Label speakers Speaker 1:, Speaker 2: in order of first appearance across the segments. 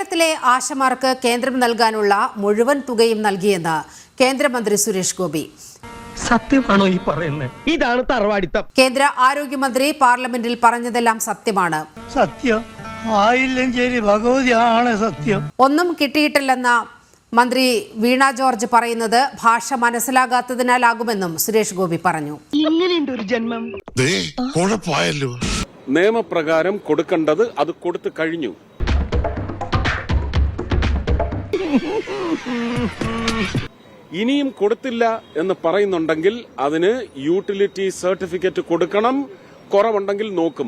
Speaker 1: കേരളത്തിലെ ആശമാർക്ക് കേന്ദ്രം നൽകാനുള്ള മുഴുവൻ തുകയും നൽകിയെന്ന് കേന്ദ്രമന്ത്രി സുരേഷ് ഗോപി.
Speaker 2: സത്യമാണോ ഈ പറയുന്നത്? ഇതാണ് തറവാടിത്തം.
Speaker 1: കേന്ദ്ര ആരോഗ്യമന്ത്രി പാർലമെന്റിൽ പറഞ്ഞതെല്ലാം സത്യമാണ്.
Speaker 3: സത്യം ആയില്ലെങ്കിൽ ഭഗവതിയാണ് സത്യം.
Speaker 1: ഒന്നും കിട്ടിയിട്ടില്ലെന്ന മന്ത്രി വീണ ജോർജ് പറയുന്നത് ഭാഷ മനസ്സിലാകാത്തതിനാലാകുമെന്നും സുരേഷ് ഗോപി പറഞ്ഞു.
Speaker 2: ഇങ്ങനെയുണ്ട് ഒരു ജന്മം.
Speaker 4: നിയമപ്രകാരം കൊടുക്കേണ്ടത് അത് കൊടുത്തു കഴിഞ്ഞു. ഇനിയും കൊടുത്തില്ല എന്ന് പറയുന്നുണ്ടെങ്കിൽ അതിന് യൂട്ടിലിറ്റി സർട്ടിഫിക്കറ്റ് കൊടുക്കണം. കുറവുണ്ടെങ്കിൽ നോക്കും.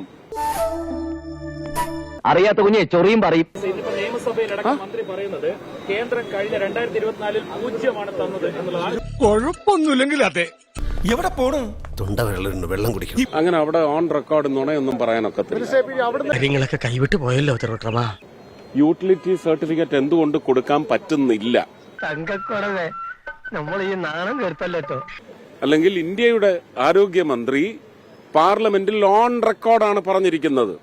Speaker 2: അറിയാത്ത കുഞ്ഞെ ചൊറിയും പറയും.
Speaker 5: നിയമസഭയിലടക്കം മന്ത്രി പറയുന്നത് കേന്ദ്രം കഴിഞ്ഞ 2024 പൂജ്യമാണ് തന്നത് എന്നുള്ളതാണ്.
Speaker 6: കുഴപ്പമൊന്നുമില്ലെങ്കിൽ അതെ. എവിടെ പോണു? തൊണ്ട വെള്ളം കുടിക്കും.
Speaker 4: അങ്ങനെ അവിടെ ഓൺ റെക്കോർഡ് നുണയൊന്നും പറയാനൊക്കത്തില്ല.
Speaker 2: കാര്യങ്ങളൊക്കെ കൈവിട്ട് പോയല്ലോ തിരുവട്ടമാ.
Speaker 4: യൂട്ടിലിറ്റി സർട്ടിഫിക്കറ്റ് എന്തുകൊണ്ട് കൊടുക്കാൻ പറ്റുന്നില്ല?
Speaker 2: തങ്കക്കുറവേ, നമ്മൾ ഈ നാണം കേട്ടല്ലോ.
Speaker 4: അല്ലെങ്കിൽ ഇന്ത്യയുടെ ആരോഗ്യമന്ത്രി പാർലമെന്റിൽ ഓൺ റെക്കോർഡാണ് പറഞ്ഞിരിക്കുന്നത്.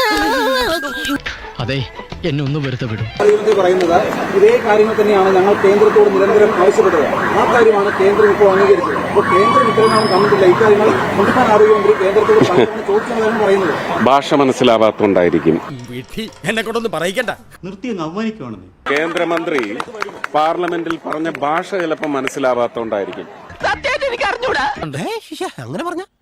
Speaker 7: അതെ, എന്നെ ഒന്ന് വെറുതെ വിടും.
Speaker 8: പറയുന്നത് ഇതേ കാര്യങ്ങൾ തന്നെയാണ് ഞങ്ങൾ കേന്ദ്രത്തോട് നിരന്തരം ആവശ്യപ്പെട്ടത്. ആ കാര്യമാണ് കേന്ദ്രം ഇപ്പോൾ അംഗീകരിച്ചത്. അപ്പോൾ കേന്ദ്രം ഇത്രയും തന്നിട്ടില്ല. ഇക്കാര്യങ്ങൾ സംസ്ഥാന ആരോഗ്യമന്ത്രി കേന്ദ്രത്തോട് ചോദിക്കുന്നതാണ് പറയുന്നത്.
Speaker 4: ഭാഷ മനസ്സിലാവാത്തോണ്ടായിരിക്കും.
Speaker 6: എന്നെ കൊണ്ടൊന്ന് പറയിക്കണ്ട.
Speaker 8: നിർത്തിയെന്ന് അവമാനിക്കുവാണെന്ന്
Speaker 4: കേന്ദ്രമന്ത്രി പാർലമെന്റിൽ പറഞ്ഞ ഭാഷ ചിലപ്പോൾ മനസ്സിലാവാത്തോണ്ടായിരിക്കും.
Speaker 2: എനിക്ക് അറിഞ്ഞൂടാ.
Speaker 6: അങ്ങനെ പറഞ്ഞ